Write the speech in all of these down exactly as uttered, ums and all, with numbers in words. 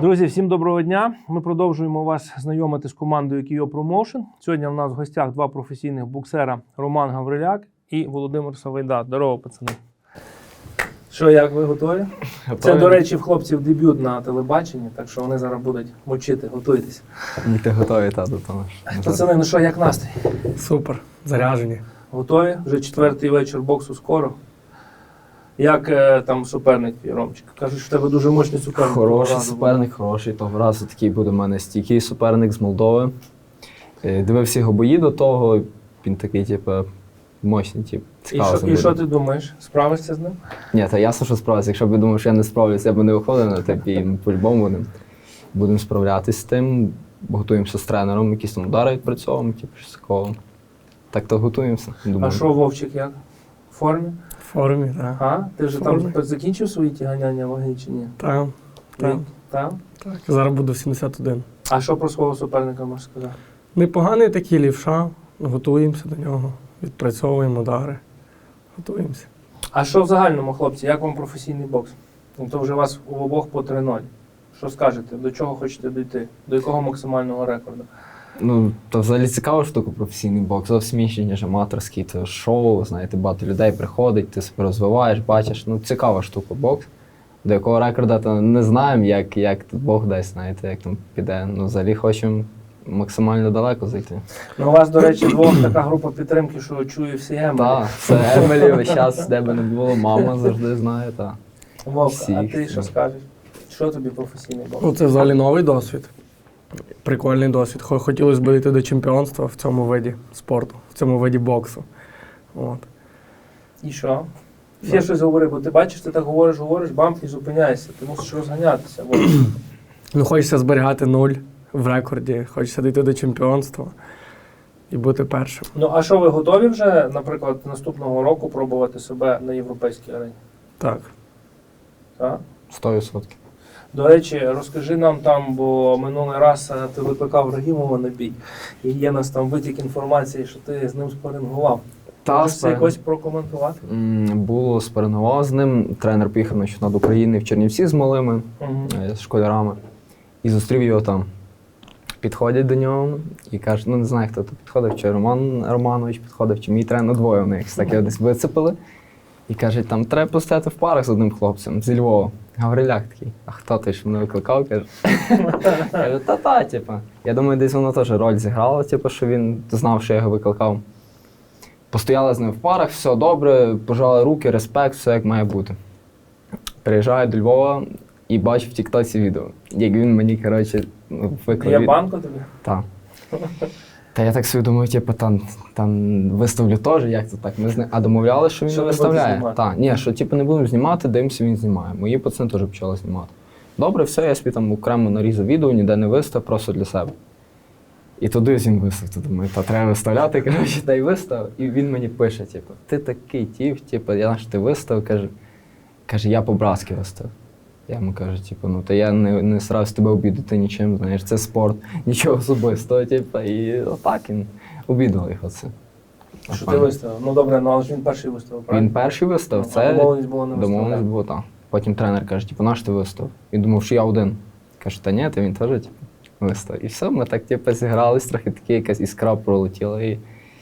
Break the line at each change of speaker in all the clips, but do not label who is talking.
Друзі, всім доброго дня. Ми продовжуємо вас знайомити з командою Kyiv Promotion. Сьогодні в нас в гостях два професійних боксера Роман Гавриляк і Володимир Савайда. Здорово, пацани. Що, як ви готові? Готові. Це, до речі, в хлопців дебют на телебаченні, так що вони зараз будуть мочити, готуйтесь.
Ми готові, та, до того.
Пацани, ну що, як настрій?
Супер, заряжені.
Готові? Вже четвертий вечір боксу скоро. Як е, там суперник твій, Ромчик? Кажуть, що в тебе дуже мощний суперник.
Хороший суперник, буде. хороший. Того разу такий буде в мене стійкий суперник з Молдови. Е, Дивився його бої до того, він такий, типу, мощний, типу, цікавий.
І що, і що ти думаєш? Справишся з ним?
Ні, та ясно, що справився. Якщо б я думав, що я не справлюся, я б не виходив на такий, ми по-любому будемо будем справлятися з тим. Готуємося з тренером, якісь там удари відпрацьовуємо, типу, щось такого. Так то готуємося.
Думаю. А що, Вовчик, як? В формі?
В формі, так.
А? Ти вже там закінчив свої ті ганяння ваги чи ні?
Так. Так.
Так?
Так. Зараз буду сімдесят один.
А що про свого суперника можеш сказати?
Непоганий такий лівша, готуємося до нього, відпрацьовуємо удари, готуємося.
А що в загальному, хлопці, як вам професійний бокс? Ну, то вже у вас у обох по три нуль. Що скажете? До чого хочете дійти? До якого максимального рекорду?
Ну, то взагалі цікава штука професійний бокс, зовсім інший, ніж аматорський. Це шоу, знаєте, багато людей приходить, ти себе розвиваєш, бачиш. Ну, цікава штука бокс. До якого рекорда то не знаємо, як, як тут Бог дасть, знаєте, як там піде. Ну, взагалі хочемо максимально далеко зайти.
Ну, у вас, до речі, двох така група підтримки, що чує всі Емелі.
Так, це Емелі весь час, де би не було, мама завжди знає, так.
Вовка, а ти що скажеш? Що тобі професійний бокс?
Ну, це взагалі новий досвід. Прикольний досвід. Хотілося б дійти до чемпіонства в цьому виді спорту, в цьому виді боксу. От.
І що? Ще щось говори, бо ти бачиш, ти так говориш, говориш, бам, і зупиняєшся. Ти мусиш розганятися.
Ну, хочеться зберігати нуль в рекорді, хочеться дійти до чемпіонства і бути першим.
Ну, а що, ви готові вже, наприклад, наступного року пробувати себе на європейській арені?
Так.
Так?
Сто відсотків.
До речі, розкажи нам там, бо минулий раз ти викликав Рагімова на бій, і є нас там витік інформації, що ти з ним спарингував.
Та,
можеш це якось прокоментувати?
Було, спарингував з ним. Тренер поїхав на чемпіонат України в Чернівці з малими, угу. з школярами, і зустрів його там. Підходять до нього і кажуть, ну не знаю, хто тут підходив, чи Роман Романович підходив, чи мій тренер, двоє в них. Так його десь вицепили. І кажуть, там треба постояти в парах з одним хлопцем зі Львова. Гавриляк такий, а хто ти ж мене викликав? Каже, кажу, та-та, типу. Я думаю, десь воно теж роль зіграло, типу, що він знав, що я його викликав. Постояли з ним в парах, все добре, пожали руки, респект, все як має бути. Приїжджаю до Львова і бачу в тіктоці відео, як він мені, коротше, викликав.
Я банку тобі?
Так. Та я так собі думаю, типу, там, там виставлю теж, як це так? Ми з ним, а домовляли, що він
що
не виставляє. Так, ні, що типу не будемо знімати, дивимося, він знімає. Мої пацани теж почали знімати. Добре, все, я собі там окремо нарізав відео, ніде не вистав, просто для себе. І туди він вистав, то думаю, та треба виставляти, коротше, та й вистав. І він мені пише, типу, ти такий тіп, типу, я наш ти вистав, каже, каже, я по-братськи вистав. Я йому кажу, типу, ну, та я не, не старався тебе обідати нічим, знаєш, це спорт, нічого особистого, типу, і отак він обідав його це.
Що ти виставив? Ну добре, ну але ж він перший виставив, правильно?
Він перший вистав,
ну,
це
домовленість було не виставляти.
Домовленість було, так. Потім тренер каже, типу, наш ти вистав? Він думав, що я один. Каже, та ні, та він теж, типу, вистав. І все, ми так, типу, зігрались, трохи такі, якась іскра пролетіла і,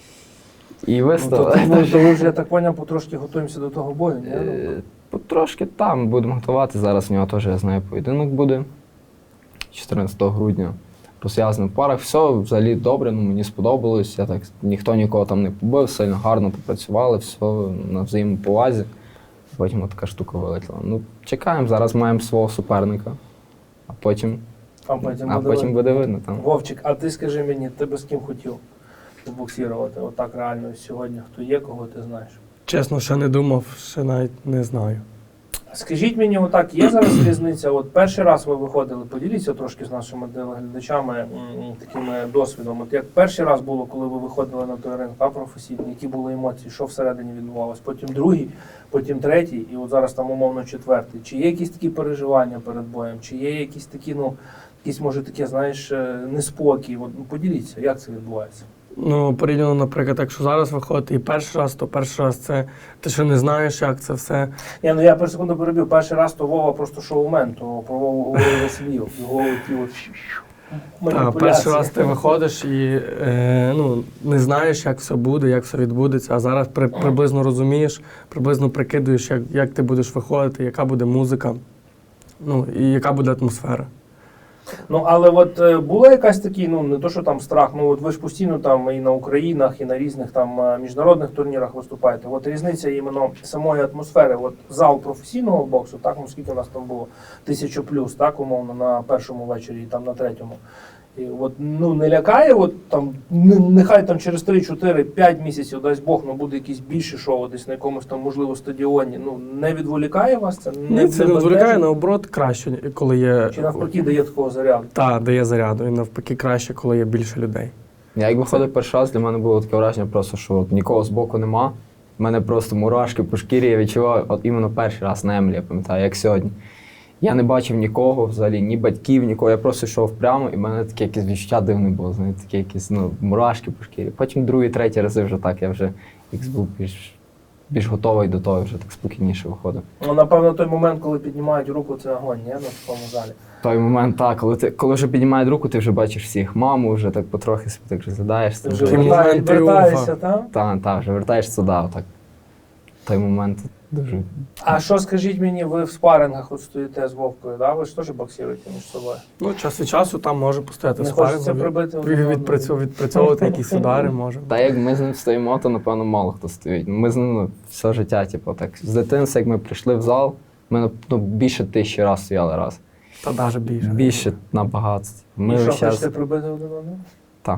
і вистав.
Ну, то, то, то ви вже, я так поняв, потрошки готуємося до того бою, ні?
Потрошки там будемо готувати. Зараз в нього теж, я знаю, поєдинок буде чотирнадцятого грудня. Розв'язаний в парах. Все взагалі добре, ну, мені сподобалось. Я так, ніхто нікого там не побив, сильно гарно попрацювали, все на взаємоповазі. Потім така штука вилетіла. Ну, чекаємо, зараз маємо свого суперника, а потім,
а потім,
а
буде,
потім буде видно. Там.
Вовчик, а ти скажи мені, ти би з ким хотів побоксірувати? Отак реально сьогодні, хто є, кого ти знаєш?
Чесно, ще не думав, ще навіть не знаю.
Скажіть мені, отак, є зараз різниця? От перший раз ви виходили, поділіться трошки з нашими глядачами м, такими досвідом. От як перший раз було, коли ви виходили на той ринг, та професійний, які були емоції, що всередині відбувалось? Потім другий, потім третій, і от зараз там умовно четвертий. Чи є якісь такі переживання перед боєм? Чи є якісь такі, ну, якісь, може, таке, знаєш, неспокій? От, ну, поділіться, як це відбувається?
Ну, порівняно, наприклад, якщо зараз виходить і перший раз, то перший раз це ти ще не знаєш, як це все.
Ні, ну я per секунду перебив. Перший раз то Вова просто шоумен, то про Вову говорив весь Львів. Його ті от
А
маніпуляції.
перший раз ти виходиш і е, ну, не знаєш, як все буде, як все відбудеться, а зараз при, приблизно розумієш, приблизно прикидуєш, як, як ти будеш виходити, яка буде музика, ну, і яка буде атмосфера.
Ну, але от е, була якась такий, ну не то, що там страх, ну от ви ж постійно там і на Українах, і на різних там е, міжнародних турнірах виступаєте. От різниця іменно самої атмосфери. От зал професійного боксу, так, ну скільки у нас там було, тисячу плюс, так, умовно, на першому вечорі і там на третьому. І от, ну, не лякає, от там, не- нехай там через три, чотири, п'ять місяців, дасть Бог, ну буде якесь більше шоу десь на якомусь там, можливо, стадіоні. Ну, не відволікає вас це?
Ні, це не відволікає, наоборот, краще, коли є.
Чи навпаки дає такого заряду?
Так, дає заряду, і навпаки краще, коли є більше людей.
Я як виходив перший раз, для мене було таке враження просто, що от нікого збоку нема. У мене просто мурашки по шкірі, я відчував от іменно перший раз на Емлі, я пам'ятаю, як сьогодні. Я не бачив нікого взагалі, ні батьків, нікого. Я просто йшов прямо, і в мене таке якесь відчуття дивне було, знаєте, таке якісь ну, мурашки по шкірі. Потім другий, третій рази вже так, я вже якось був більш, більш готовий до того, вже так спокійніше виходив.
Ну, напевно, той момент, коли піднімають руку, це огонь, ні, на такому залі.
Той момент, так, коли ти коли вже піднімають руку, ти вже бачиш всіх маму, вже так потрохи себе так розглядаєшся.
Ти вже
Такий
вертає-
момент
вертаєшся,
тріумфа.
там?
Так, так, вже вертаєшся сюди, отак. Той момент дуже.
А що, скажіть мені, ви в спарингах от стоїте з Вовкою, да? Ви ж теж боксуєте між собою?
Ну, час від часу там може постояти
Не
спаринг,
хочеться прибити
від-
один одного?
відпрацьов- відпрацьовувати якісь удари може.
Та як ми з ним стоїмо, то напевно мало хто стоїть. Ми з ним ну, все життя, типу, так. З дитинства, як ми прийшли в зал, ми ну, більше тисячі разів стояли раз.
Та навіть більше.
Більше набагато. Ми
І що,
весь час,
хочете прибити один одного?
так.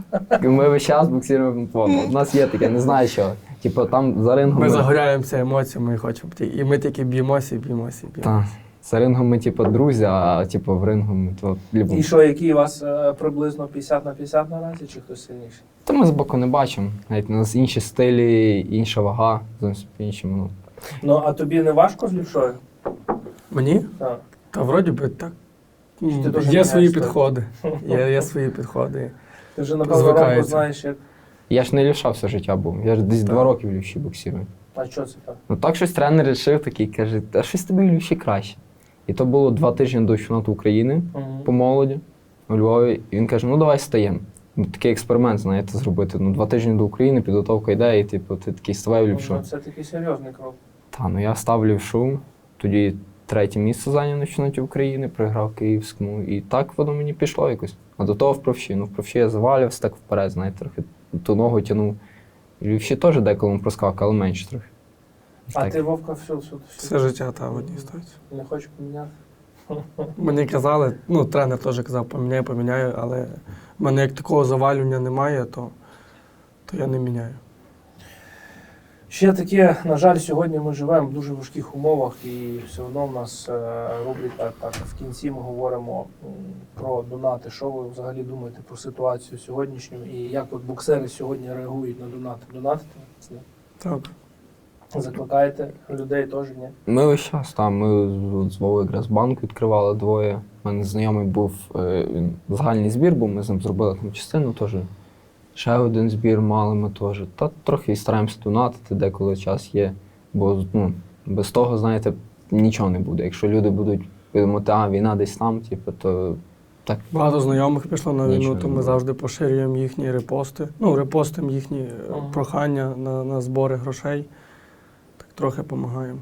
Ми весь час боксуємо. У нас є таке, не знаю що. Типу там за рингом.
Ми загоряємося емоціями і хочемо. ті- І ми тільки б'ємося, і б'ємося, і
Так.
б'ємося.
За рингом ми, типу, друзі, а типу в рингу ми то любимо.
І що, які у вас е, приблизно п'ятдесят на п'ятдесят наразі, чи хтось сильніший?
Та ми збоку не бачимо. Навіть у нас інші стилі, інша вага, зовсім по-іншому. Ну.
Ну, а тобі не важко з лівшою?
Мені?
Так.
Та вроді би так.
ти теж
Є
міняєш
свої
стиль?
підходи. Є, є свої підходи.
Ти вже, напевно,
Звикається.
Ромку знаєш, як...
Я ж не лівша все життя був. Я ж десь
Так.
два роки в лівші боксирую.
А що це так?
Ну так щось тренер вирішив такий, каже, а щось тобі в лівші краще. І то було два тижні до чемпіонату України
Мгм.
по молоді у Львові. І він каже, ну давай стаємо. Ну, такий експеримент, знаєте, зробити. Ну, два тижні до України, підготовка йде, і типу, ти такий ставай в лівшу.
Ну, це такий серйозний крок.
Та, ну я став в лівшу, тоді третє місце зайняв на чемпіонаті України, програв Київському. І так воно мені пішло якось. А до того в правші. Ну, в правші я завалювався так вперед, знаєте, трохи ту ногу тягнув. І в лівші теж деколи проскакав, але менше трохи.
А
Так.
ти, Вовка, все, все,
Все життя та в одній стоїть.
не хочеш поміняти?
Мені казали, ну тренер теж казав, поміняю, поміняю, але в мене як такого завалювання немає, то, то я не міняю.
Ще таке, на жаль, сьогодні ми живемо в дуже важких умовах, і все одно в нас е, рубрика так в кінці ми говоримо м, про донати. Що ви взагалі думаєте про ситуацію сьогоднішню і як от боксери сьогодні реагують на донати? Донатите?
Так.
Закликаєте людей теж, ні?
Ми весь час там, ми з- з Вовою якраз банк відкривали двоє. У мене знайомий був, е, він загальний збір був, ми з ним зробили там частину теж. Ще один збір мали ми теж. Та трохи стараємося донатити, деколи час є. Бо ну, без того, знаєте, нічого не буде. Якщо люди будуть думати, а війна десь там, типу, то так.
Багато знайомих пішло на
Нічого
війну,
не
то ми
було.
завжди поширюємо їхні репости. Ну, репостимо їхні е,
Ага.
прохання на, на збори грошей. Так трохи допомагаємо.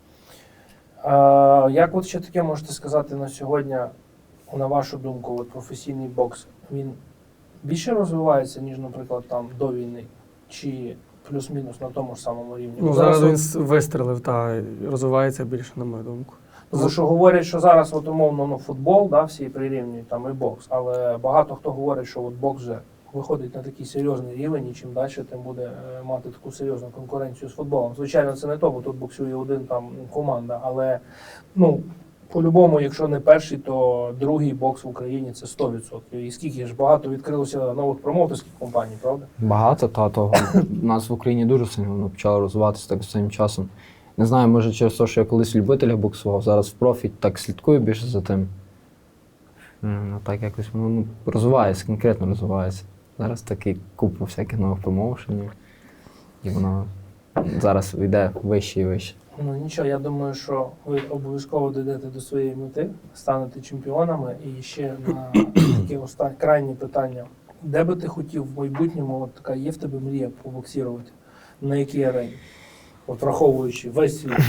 А, як от ще таке можете сказати на сьогодні, на вашу думку, от професійний бокс, він більше розвивається, ніж, наприклад, там до війни? Чи плюс-мінус на тому ж самому рівні?
Ну,
Бо
зараз він
от-
с- вистрелив та і розвивається більше, на мою думку.
За що говорять, що зараз от умовно ну, футбол, да, всі прирівнюють там і бокс, але багато хто говорить, що от бокс вже виходить на такий серйозний рівень, і чим далі, тим буде е, мати таку серйозну конкуренцію з футболом. Звичайно, це не то, бо тут боксує один там команда, але ну по-любому, якщо не перший, то другий бокс в Україні це сто відсотків. І скільки ж багато відкрилося нових промоутерських компаній, правда?
Багато та того. У нас в Україні дуже сильно воно почало розвиватися так останнім часом. Не знаю, може через те, що я колись любителя боксував, зараз в профі так слідкую більше за тим. М, Ну так якось воно ну, розвивається, конкретно розвивається. Зараз такий купу всяких нових промоушенів. І воно зараз йде вище і вище.
Ну нічого, я думаю, що ви обов'язково дійдете до своєї мети, станете чемпіонами. І ще на таке останнє крайнє питання. Де би ти хотів в майбутньому, от така є в тебе мрія побоксірувати? На якій арені? От враховуючи весь світ.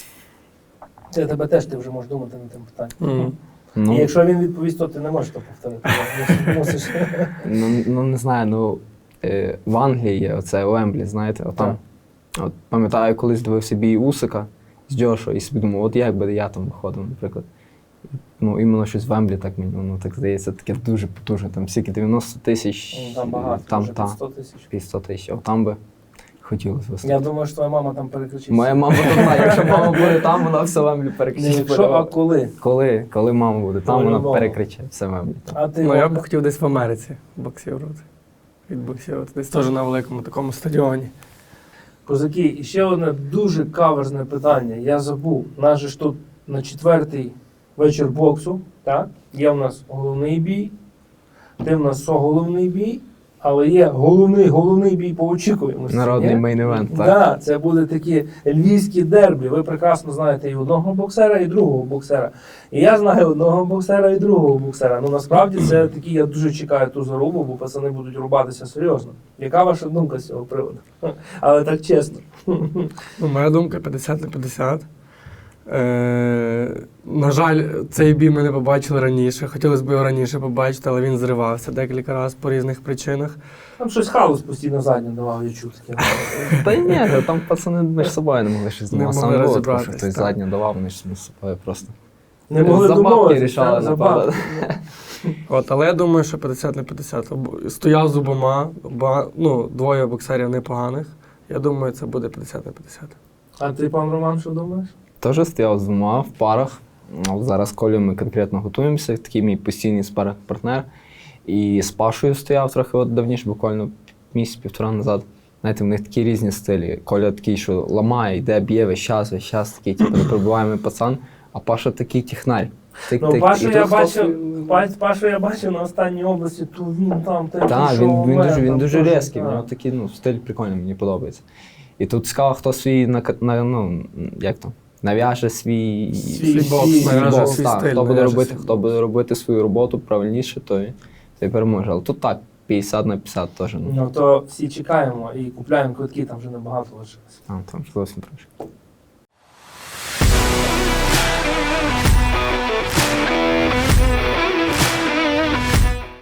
Це тебе теж ти вже можеш думати над тим питанням.
Мгм.
Ну,
І якщо він відповість, то ти не можеш то повторити. Мусиш.
ну, ну не знаю, ну е, в Англії є оце Уемблі, знаєте, отам. От пам'ятаю, колись дивився бій Усика з Джошуа і собі думав, от як би я там виходив, наприклад. Ну, іменно щось в Вемблі, так мені воно так здається, таке дуже потужне. Там скільки дев'яносто тисяч,
Ну, Там багато,
там,
вже
та,
під сто тисяч.
під сто тисяч. От там би хотілося виступити.
Я думаю, що твоя мама там переключиться.
Моя мама там, якщо мама буде там, вона все Вемблі
Не
перекричить.
якщо, а коли?
Коли, коли мама буде там, вона
По-любому.
перекриче все Вемблі.
А ти
Ну, я б
Вовка?
хотів десь в Америці боксірувати. Відбоксірувати. Десь теж на великому такому стадіоні.
Козаки, і ще одне дуже каверзне питання. Я забув. У нас же ж тут на четвертий вечір боксу, так? Є в нас головний бій, ти в нас соголовний бій, але є головний, головний бій по очікуваності.
Народний
ні?
мейн-івент, так?
Да, це буде такі львівські дербі. Ви прекрасно знаєте і одного боксера, і другого боксера. І я знаю одного боксера і другого боксера. Ну насправді це такі, я дуже чекаю ту зарубу, бо пацани будуть рубатися серйозно. Яка ваша думка з цього приводу? Але так чесно.
Ну, моя думка п'ятдесят на п'ятдесят. Е, на жаль, цей бій ми не побачили раніше. Хотілося б його раніше побачити, але він зривався декілька разів по різних причинах.
Там щось халус постійно задню давав, я чув таке.
Та й ні, там пацани між собою не могли щось
Не
думати.
могли
Сам було,
розібратись,
що хтось
так.
задню давав, вони ж між собою просто.
Не могли
За бабки
домовитися,
рішали,
так, за
напевно.
бабки.
От, але я думаю, що п'ятдесят на п'ятдесят. Об- Стояв з обома, оба, ну, двоє боксерів непоганих. Я думаю, це буде п'ятдесят на п'ятдесят.
А ти, пан Роман, що думаєш?
Теж стояв з двома в парах. От зараз з Колею ми конкретно готуємося, такий мій постійний спаринг-партнер. І з Пашою стояв трохи от давніше, буквально місяць-півтора назад. Знаєте, в них такі різні стилі. Коля такий, що ламає, йде, б'є весь час, весь час такий, типу, непробиваємий пацан, а Паша такий технарь. Тик,
Ну,
тик.
Пашу
І
я
тут хлопці-
бачив, Па- Пашу я бачив на останній області, то він там, те,
Так,
що
він, він
мене
дуже, він
там
дуже
теж,
різкий, в
так.
нього такий ну, стиль прикольний, мені подобається. І тут цікаво, хто свій на, на ну, як то, нав'яже свій,
Свій
бокс,
свій
нав'яже
бокс,
свій
так,
стиль,
хто буде
нав'яже
робити,
свій
хто буде робити свою роботу правильніше, той, той переможе. Але тут так, п'ятдесят на п'ятдесят теж. Ну,
Ну, то всі чекаємо і купляємо квитки, там вже небагато лишилось.
там, там зовсім трошки.